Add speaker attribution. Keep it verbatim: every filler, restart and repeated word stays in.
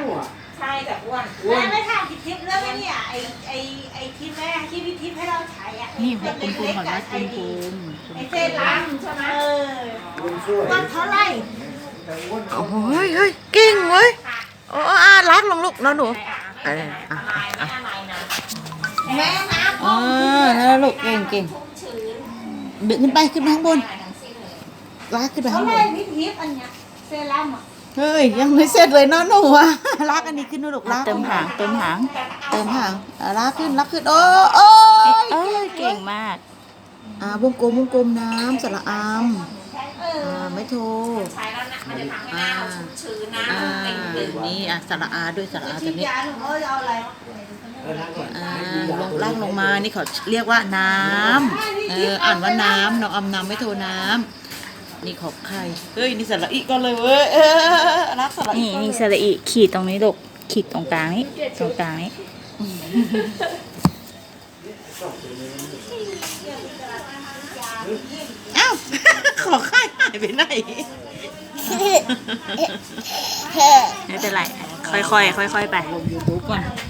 Speaker 1: ใช่แต่อ้วน
Speaker 2: แม่ไม่ทำทิปแล้วไหมเนี่ยไอไอไอทิปแม่ที่พี่ทิปให้เราใช้อ่ะ
Speaker 3: นี่หัวกลมๆก่อนนะกลม
Speaker 2: ไอเส้นล้างใช่ไหมเออวันเท่าไหร่
Speaker 3: ๆโอ้ยเฮ้ยเก่งเว้ยโอ้อารักลงลูกแล้วหนูเอออ่ะ
Speaker 1: อะไรไม่อะไรนะ
Speaker 2: แม่น้ำ
Speaker 3: เออแล้วลูกเก่งเก่ง
Speaker 1: ชื้น
Speaker 3: ดึงขึ้นไปขึ้นไปข้างบน
Speaker 1: อะไรทั้งสิ้นเลย
Speaker 3: ลากขึ้นไป
Speaker 2: เท่า
Speaker 3: ข้าง
Speaker 2: ไห
Speaker 3: บ
Speaker 2: ร่
Speaker 3: น
Speaker 2: พี่ทิปอันเนี้ยเซรั่มอ่ะ
Speaker 3: เฮ้ยยังไม่เสร็จเลยเนาะหนูอะลากอันนี้ขึ้นหนูลูกลาก
Speaker 4: เติมหางเติมหาง
Speaker 3: เติมหางอ่ะลากขึ้นลากขึ้นโอ้โอ้
Speaker 4: เอ้ยเก่งมาก
Speaker 3: อ่าวงกลมวงกลมน้ำสระอาม
Speaker 2: เออ
Speaker 3: อ่าไม่โทร
Speaker 1: ใช้แล้วนะมันจะทำให้หน้าเราชุ่มชื้นนะ
Speaker 3: อ่า
Speaker 1: เต่งตึง
Speaker 3: นี่อ่ะสระอาด้วยสระอา
Speaker 2: ฉี
Speaker 3: ตัว
Speaker 2: ด
Speaker 3: นี้
Speaker 2: ยาหนูเอาอะไร
Speaker 3: อ่าลงล่างลงมานี่เขาเรียกว่าน้ำเอออ่านว่าน้ำน้องอำน้ำไม่โทรน้ำนี่ของใครเฮ้ยนี่สระอีก็เลยเว้ยเออรักสระอี
Speaker 4: นี่นี่สระอีขีดตรงนี้ลูกขีดตรงกลางนี้ตรงกลางนี้
Speaker 3: อ้าว ขอค่ายหายไปไหน
Speaker 4: ไม่เป็นไร ค่อยๆค่อยๆไป
Speaker 3: ลงยูทูบก่อน
Speaker 2: เ